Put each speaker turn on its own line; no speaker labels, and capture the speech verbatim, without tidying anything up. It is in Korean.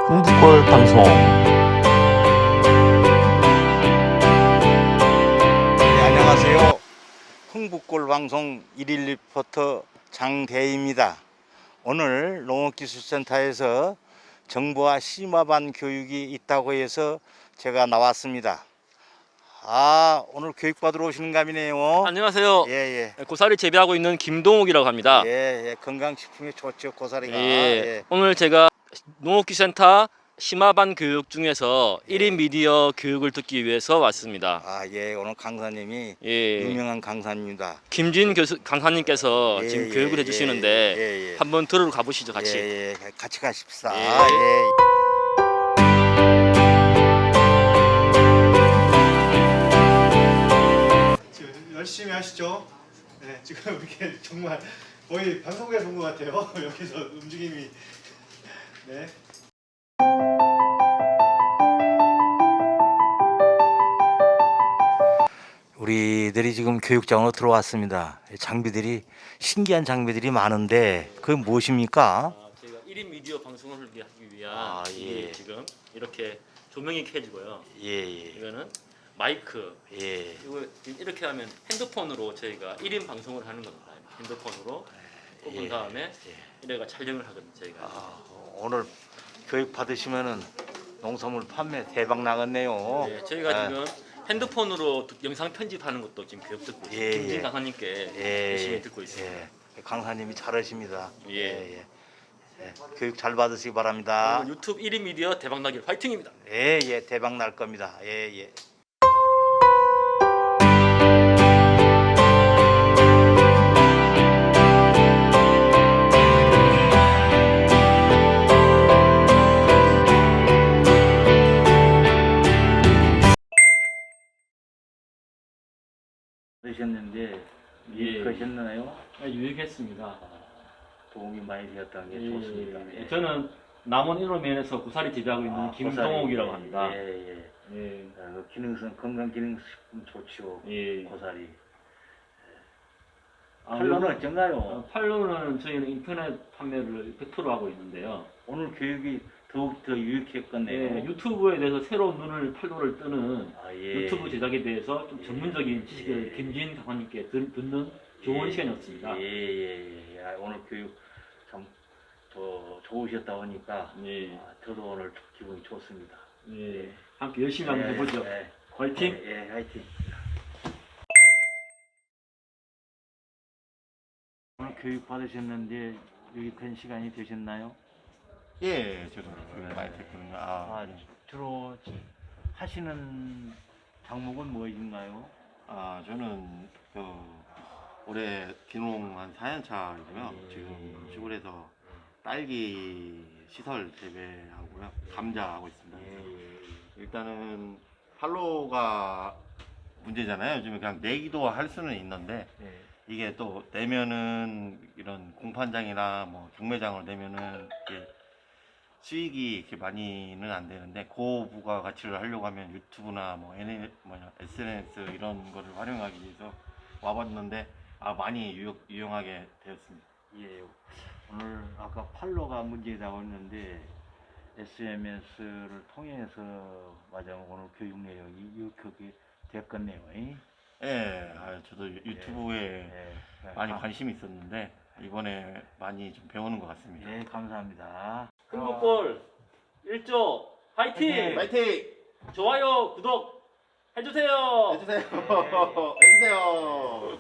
흥북골 방송.
네, 안녕하세요. 흥북골 방송 일일 리포터 장대희입니다. 오늘 농업기술센터에서 정부와 심화반 교육이 있다고 해서 제가 나왔습니다. 아, 오늘 교육 받으러 오시는 감이네요.
안녕하세요.
예, 예.
고사리 재배하고 있는 김동욱이라고 합니다.
예, 예. 건강식품이 좋죠, 고사리가.
예,
예.
오늘 제가 농업기센터 심화반 교육 중에서
예.
일 인 미디어 교육을 듣기 위해서 왔습니다.
아, 예. 오늘 강사님이
예,
유명한 강사입니다.
김진 교수 강사님께서
예,
지금
예,
교육을
예,
해주시는데
예, 예.
한번 들으러 가보시죠, 같이.
예, 예. 같이 가십시다.
예.
아, 예.
지금 열심히 하시죠. 네, 지금 이렇게 정말 거의 방송국에서 온 것 같아요. 여기서 움직임이. 네.
우리들이 지금 교육장으로 들어왔습니다. 장비들이 신기한 장비들이 많은데 그게 무엇입니까?
아, 저희가 일 인 미디어 방송을 하기 위한
아, 예.
이게 지금 이렇게 조명이 켜지고요.
예, 예,
이거는 마이크.
예.
이거 이렇게 하면 핸드폰으로 저희가 일 인 방송을 하는 겁니다. 핸드폰으로 꼽은
예,
다음에
예.
이래가 촬영을 하거든요, 저희가.
아, 오늘 교육 받으시면은 농산물 판매 대박 나겠네요.
네, 저희가
아,
지금 핸드폰으로 영상 편집하는 것도 지금 교육 듣고 있어요.
예,
김진
예.
강사님께
예,
열심히 듣고 있습니다.
예. 강사님이 잘하십니다.
예.
예, 예. 예. 교육 잘 받으시기 바랍니다.
오늘 유튜브 일 인 미디어 대박나길 화이팅입니다.
예, 예. 대박 날 겁니다. 예, 예.
하셨는데
예.
유익하셨나요?
유익했습니다.
도움이 많이 되었다는 게
예,
좋습니다.
예.
예.
저는 남원 일호면에서 구사리 재배하고 있는
아,
김동욱이라고
고사리.
합니다.
예, 예.
예.
아, 그 기능성 건강 기능식품 좋죠.
예.
고사리.
아,
팔로는
요-
어쩐가요?
어, 팔로는 저희는 인터넷 판매를 백 퍼센트 하고 있는데요.
오늘 교육이 더욱 더 유익했겠네요.
예, 유튜브에 대해서 새로운 눈을 팔로를 뜨는
아, 예.
유튜브 제작에 대해서 좀
예.
전문적인 지식을
예.
김진 강사님께 들, 듣는 좋은
예.
시간이었습니다.
예, 예, 예. 아, 오늘 교육 참 더 좋으셨다 보니까
예.
아, 저도 오늘 기분이 좋습니다.
예. 함께 열심히 한번 해보죠.
예,
화이팅!
예, 예, 화이팅. 오늘 교육 받으셨는데 유익한 시간이 되셨나요?
예, 저도 교육 많이 됐거든요. 아,
아, 주로 하시는 작목은 무엇인가요?
아, 저는 그 올해 기농 한 사 년 차이고요.
예.
지금 시골에서 딸기 시설 재배하고요. 감자 하고 있습니다.
예,
일단은 팔로가 문제잖아요. 요즘에 그냥 내기도 할 수는 있는데
예.
이게 또 내면은 이런 공판장이나 뭐 경매장을 내면은 이게 수익이 이렇게 많이는 안 되는데 고부가 가치를 하려고 하면 유튜브나 뭐 에스 엔 에스 이런 거를 활용하기 위해서 와봤는데 아 많이 유용, 유용하게 되었습니다.
예. 오늘 아까 팔로가 문제라고 했는데 에스엔에스를 통해서 맞아 오늘 교육 내용이 유익하게 됐겠네요. 예,
예, 아, 저도 유- 유튜브에
예.
많이
아,
관심이 있었는데 이번에 많이 좀 배우는 것 같습니다.
예, 감사합니다.
흥국골 일 조 화이팅!
파이팅!
좋아요, 구독 해주세요.
해주세요. 해주세요.